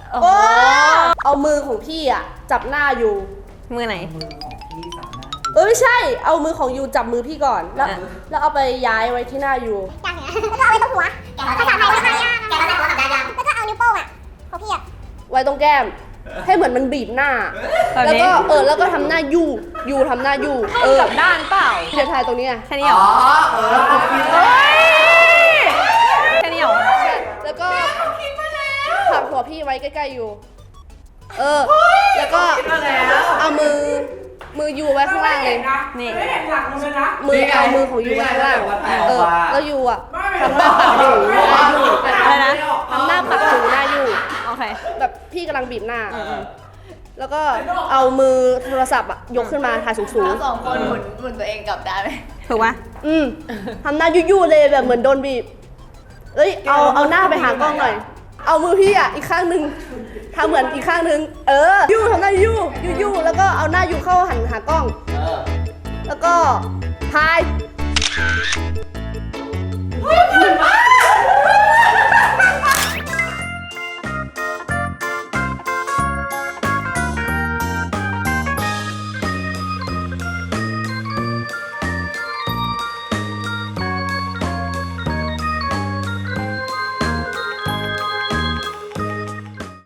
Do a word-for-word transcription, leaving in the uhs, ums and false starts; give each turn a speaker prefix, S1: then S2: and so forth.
S1: โอ้เอามือของพี่อ่ะจับหน้าอยู่
S2: มือไหน
S3: มือของพี่จับหน้า
S1: เออไม่ใช่เอามือของยูจับมือพี่ก่อนแล้วแล้วเอาไปย้ายไว้ที่หน้ายู
S4: อย่างเงี้ยแล้วก็เอาไว้ตรงหัวถ้าจับไว้ข้างย่าแกก็ได้หัวกับยาแล้วก็เอานิ้วโป้งอ่ะของพี่อ่ะ
S1: ไว้ตรงแก้มให้เหมือนมันบีบหน้าแล้วก็เออแล้วก็ทำหน้ายูยูทำหน้ายูเออกับด้านเปล่าเทียทายตรงนี้ไง
S2: แค่นี้เหรอ
S3: เออผมคิดเล
S2: ยแค่นี้เหรอ
S1: แล้วก็ผลักหัวพี่ไว้ใกล้ๆยูเออแล้วก็เอามือมือยูไว้ข้างล่างเลย
S2: นี่
S1: มือเอามือของยูไว้ข้างล่างเออแล้วยูอ่ะทำหน้าปักอยู่หน้ายู
S2: อะไรนะ
S1: ทำหน้าปักอยู่หน้ายู
S2: โอเค
S1: แบบพี่กำลังบีบหน้าแล้วก็เอามือโทรศัพท์อะยกขึ้นมาถ่ายสูงๆ
S5: เราสองคนหมุนหมุนตัวเองกลับได้ไหม
S2: ถูกปะ
S1: อืมทำหน้ายุ่ๆเลยแบบเหมือนโดนบีบเอ้ยเอาเอาหน้าไปหากล้องหน่อยเอามือพี่อ่ะอีกข้างหนึ่งทำเหมือนอีกข้างหนึ่งเออยู่ทำหน้ายู่ยู่ยู่แล้วก็เอาหน้ายู่เข้าหันหากล้องแล้วก็ถ่าย